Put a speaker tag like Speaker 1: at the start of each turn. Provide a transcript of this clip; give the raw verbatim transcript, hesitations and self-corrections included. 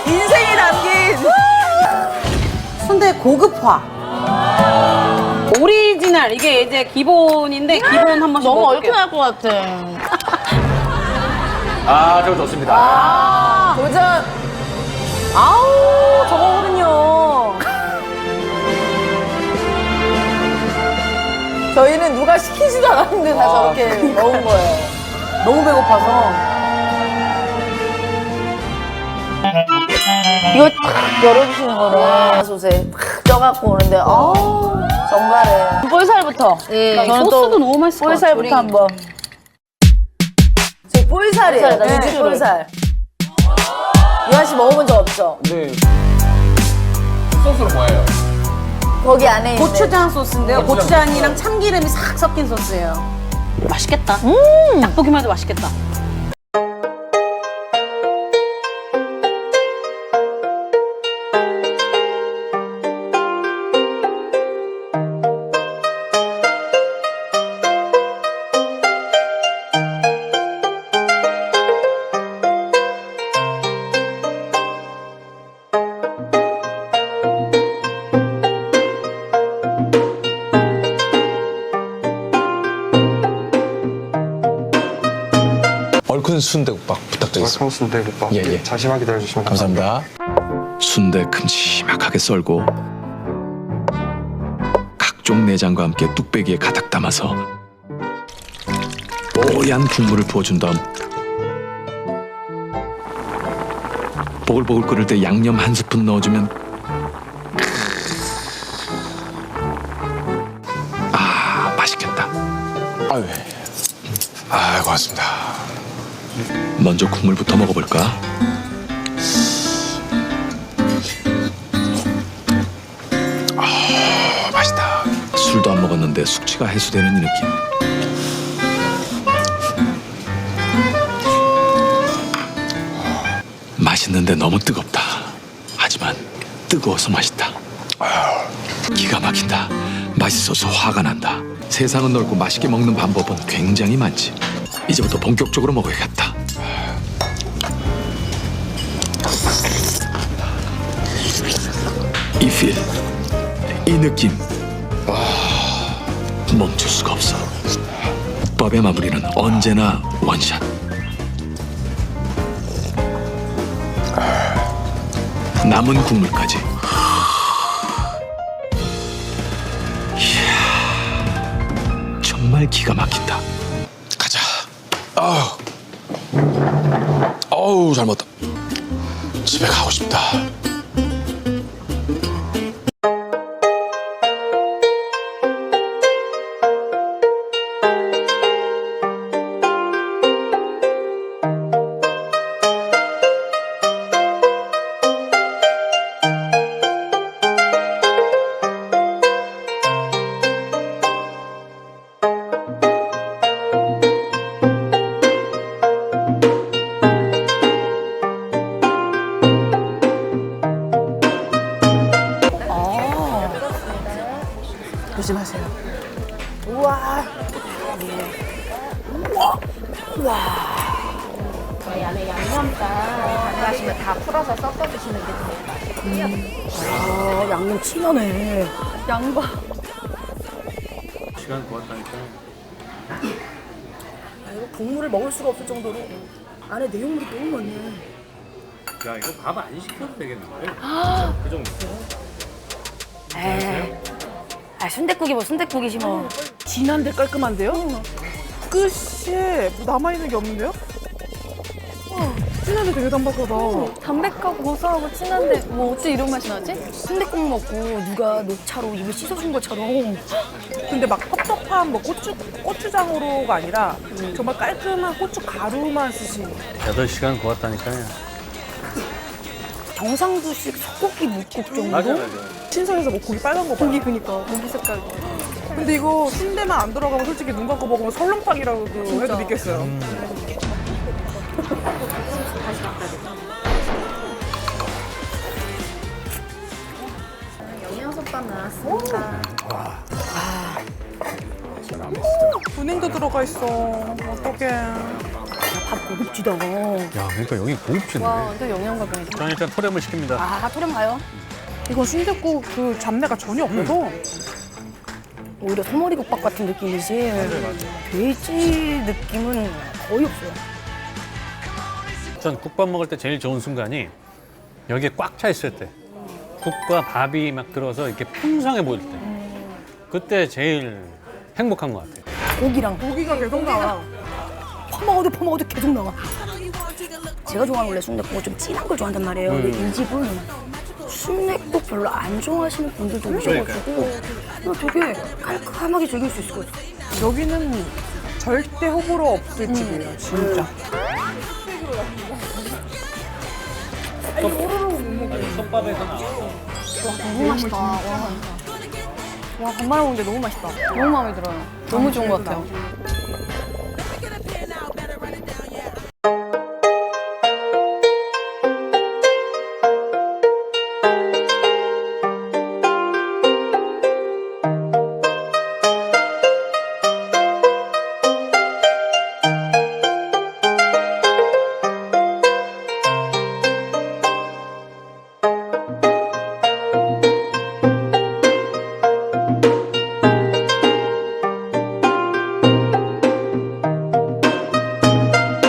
Speaker 1: 인생이 담긴 순대 고급화.
Speaker 2: 오리지널 이게 이제 기본인데 기본 한 번씩
Speaker 3: 너무
Speaker 2: 먹어볼게요.
Speaker 3: 얼큰할 것 같아.
Speaker 4: 아, 저거 좋습니다.
Speaker 1: 아, 도전. 아우, 저거거든요. 저희는 누가 시키지도 않았는데 다
Speaker 4: 아,
Speaker 1: 저렇게 먹은 거예요. 너무 배고파서.
Speaker 3: 이거 탁 열어주시는 거를 솥에 탁 쪄갖고 오는데 아우 정말에 볼살부터.
Speaker 2: 예,
Speaker 3: 저는
Speaker 2: 소스도
Speaker 3: 또
Speaker 2: 너무 맛있을 것
Speaker 3: 볼살부터
Speaker 2: 같아요.
Speaker 3: 한번.
Speaker 1: 제 볼살이에요.
Speaker 3: 볼살이다,
Speaker 1: 네,
Speaker 3: 육수를.
Speaker 1: 볼살. 유한 씨 먹어본 적 없죠?
Speaker 4: 네. 소스는 뭐예요?
Speaker 1: 거기 안에 있는.
Speaker 2: 고추장 소스인데요.
Speaker 4: 고추장.
Speaker 2: 고추장이랑 참기름이 싹 섞인 소스예요. 맛있겠다.
Speaker 3: 음.
Speaker 2: 딱 보기만 해도 맛있겠다.
Speaker 5: 얼큰 순대국밥 부탁드리겠습니다.
Speaker 6: 얼큰 순대국밥.
Speaker 5: 예, 예.
Speaker 6: 잠시만 기다려주시면
Speaker 5: 감사합니다. 순대 큼지막하게 썰고 각종 내장과 함께 뚝배기에 가득 담아서 뽀얀 국물을 부어준 다음 보글보글 끓을 때 양념 한 스푼 넣어주면 아 맛있겠다.
Speaker 7: 아유, 아 고맙습니다.
Speaker 5: 먼저 국물부터 먹어볼까?
Speaker 7: 아, 맛있다.
Speaker 5: 술도 안 먹었는데 숙취가 해소되는 이 느낌. 맛있는데 너무 뜨겁다. 하지만 뜨거워서 맛있다. 기가 막힌다. 맛있어서 화가 난다. 세상은 넓고 맛있게 먹는 방법은 굉장히 많지. 이제부터 본격적으로 먹어야겠다. 이 필, 이 느낌. 멈출 수가 없어. 국밥의 마무리는 언제나 원샷. 남은 국물까지. 이야, 정말 기가 막힌다.
Speaker 7: 가자. 아우, 어우 잘 먹었다. 집에 가고 싶다.
Speaker 1: 조심하세요.
Speaker 3: 저희 안에 양념장 가져가시면 다 풀어서 섞어주시는 게 제일 맛있고요.
Speaker 1: 아, 양념 진하네.
Speaker 3: 양파.
Speaker 4: 시간 고맙다니까.
Speaker 1: 아, 이거 국물을 먹을 수가 없을 정도로 안에 내용물이 너무 많네.
Speaker 4: 야, 이거 밥 안 시켜도 되겠는데? 그 정도.
Speaker 3: 에이. 아, 순댓국이 뭐 순댓국이지 뭐.
Speaker 1: 진한데 깔끔한데요? 끝이 뭐 남아있는 게 없는데요? 진한데 되게 담백하다.
Speaker 3: 담백하고 고소하고 진한데 뭐 어째 이런 맛이 나지? 순댓국 먹고 누가 녹차로 입을 씻어준 것처럼.
Speaker 8: 근데 막 텁텁한 뭐 고추, 고추장으로가 아니라 정말 깔끔한 고추 가루만 쓰신.
Speaker 4: 여덟 시간 고맙다니까요.
Speaker 3: 경상도식 소고기 묵국 정도?
Speaker 4: 맞아, 맞아.
Speaker 8: 신선해서 뭐 고기 빨간 거 봐.
Speaker 3: 고기 그니까 고기 색깔.
Speaker 8: 근데 이거 순대만 안 들어가면 솔직히 눈 감고 먹으면 설렁탕이라고 해도 믿겠어요.
Speaker 3: 영양솥밥 나왔습니다.
Speaker 8: 분행도 들어가 있어. 어떡해.
Speaker 3: 밥 고급지다.
Speaker 4: 야, 그러니까 여기 고급지네.
Speaker 3: 와, 완전 영양가병이다.
Speaker 4: 저는 일단 토렴을 시킵니다.
Speaker 3: 아, 토렴 가요?
Speaker 8: 이건 순댓국 그 잡내가 전혀 없어서
Speaker 3: 오히려 소머리국밥 같은 느낌이지. 돼지 느낌은 거의 없어요.
Speaker 4: 전 국밥 먹을 때 제일 좋은 순간이 여기에 꽉 차 있을 때. 국과 밥이 막 들어서 이렇게 풍성해 보일 때. 그때 제일 행복한 것 같아요.
Speaker 3: 고기랑
Speaker 8: 고기가 계속 나와.
Speaker 3: 퍼먹어도 퍼먹어도 계속 나와. 제가 좋아하는 원래 순댓국은 좀 진한 걸 좋아한단 말이에요. 근데 이 집은 순댓국 별로 안 좋아하시는 분들도 오셔가지고 이거 되게 깔끔하게 즐길 수 있을 것 같아요.
Speaker 8: 여기는 절대 호불호 없을 집이에요, 진짜.
Speaker 4: 솥밥에서 나와.
Speaker 3: 너무 맛있다. 와, 와 밥 말아 먹는데 너무 맛있다. 너무 마음에 들어요. 너무 좋은 것 같아요.